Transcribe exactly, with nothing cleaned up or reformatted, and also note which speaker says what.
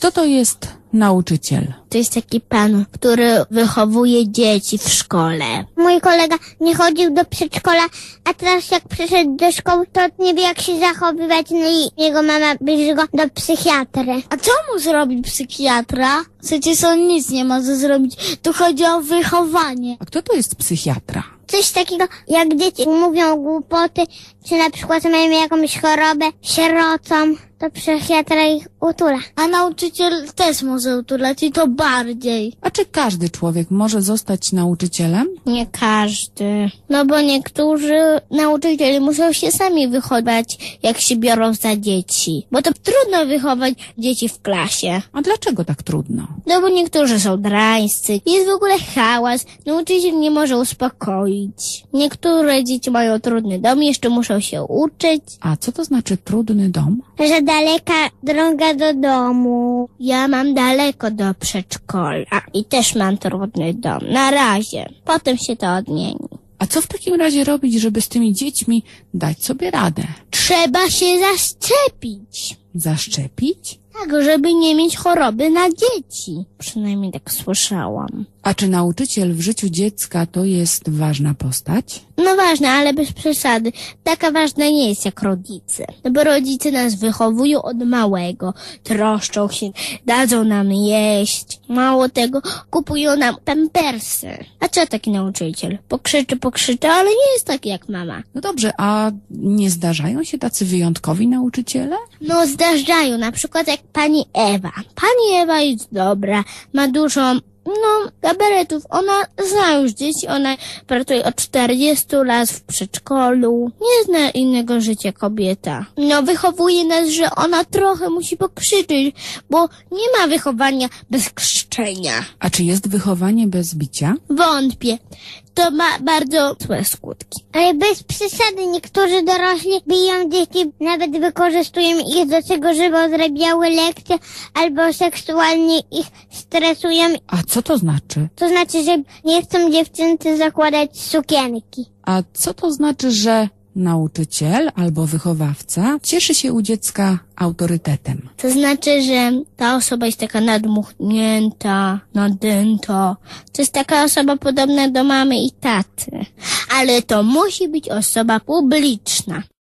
Speaker 1: Kto to jest nauczyciel?
Speaker 2: To jest taki pan, który wychowuje dzieci w szkole.
Speaker 3: Mój kolega nie chodził do przedszkola, a teraz jak przyszedł do szkoły, to nie wie jak się zachowywać, no i jego mama bierze go do psychiatry.
Speaker 2: A co mu zrobi psychiatra? Przecież on nic nie może zrobić. Tu chodzi o wychowanie.
Speaker 1: A kto to jest psychiatra?
Speaker 3: Coś takiego, jak dzieci mówią głupoty, czy na przykład mają jakąś chorobę, sierocą, to psychiatra ich utula.
Speaker 2: A nauczyciel też może utulać i to bardziej.
Speaker 1: A czy każdy człowiek może zostać nauczycielem?
Speaker 2: Nie każdy. No bo niektórzy nauczyciele muszą się sami wychować, jak się biorą za dzieci. Bo to trudno wychować dzieci w klasie.
Speaker 1: A dlaczego tak trudno?
Speaker 2: No bo niektórzy są drańscy. Jest w ogóle hałas. Nauczyciel nie może uspokoić. Niektóre dzieci mają trudny dom, jeszcze muszą się uczyć.
Speaker 1: A co to znaczy trudny dom?
Speaker 3: Że daleka droga do domu.
Speaker 2: Ja mam daleko do przedszkola i też mam trudny dom. Na razie. Potem się to odmieni.
Speaker 1: A co w takim razie robić, żeby z tymi dziećmi dać sobie radę?
Speaker 2: Trzeba się zaszczepić.
Speaker 1: Zaszczepić?
Speaker 2: Tak, żeby nie mieć choroby na dzieci. Przynajmniej tak słyszałam.
Speaker 1: A czy nauczyciel w życiu dziecka to jest ważna postać?
Speaker 2: No ważne, ale bez przesady. Taka ważna nie jest jak rodzice. No bo rodzice nas wychowują od małego. Troszczą się, dadzą nam jeść. Mało tego, kupują nam pampersy. A co taki nauczyciel? Pokrzyczy, pokrzyczy, ale nie jest taki jak mama.
Speaker 1: No dobrze, a nie zdarzają się tacy wyjątkowi nauczyciele?
Speaker 2: No zdarzają, na przykład jak pani Ewa. Pani Ewa jest dobra, ma dużo, no, gabaretów. Ona zna już dzieci, ona pracuje od czterdziestu lat w przedszkolu. Nie zna innego życia kobieta. No, wychowuje nas, że ona trochę musi pokrzyczeć, bo nie ma wychowania bez krzyczenia.
Speaker 1: A czy jest wychowanie bez bicia?
Speaker 2: Wątpię. To ma bardzo złe skutki.
Speaker 3: Ale bez przesady niektórzy dorośli biją dzieci, nawet wykorzystują ich do tego, żeby odrabiały lekcje, albo seksualnie ich stresują.
Speaker 1: A co to znaczy?
Speaker 3: To znaczy, że nie chcą dziewczyncy zakładać sukienki.
Speaker 1: A co to znaczy, że nauczyciel albo wychowawca cieszy się u dziecka autorytetem?
Speaker 2: To znaczy, że ta osoba jest taka nadmuchnięta, nadęta. To jest taka osoba podobna do mamy i taty. Ale to musi być osoba publiczna.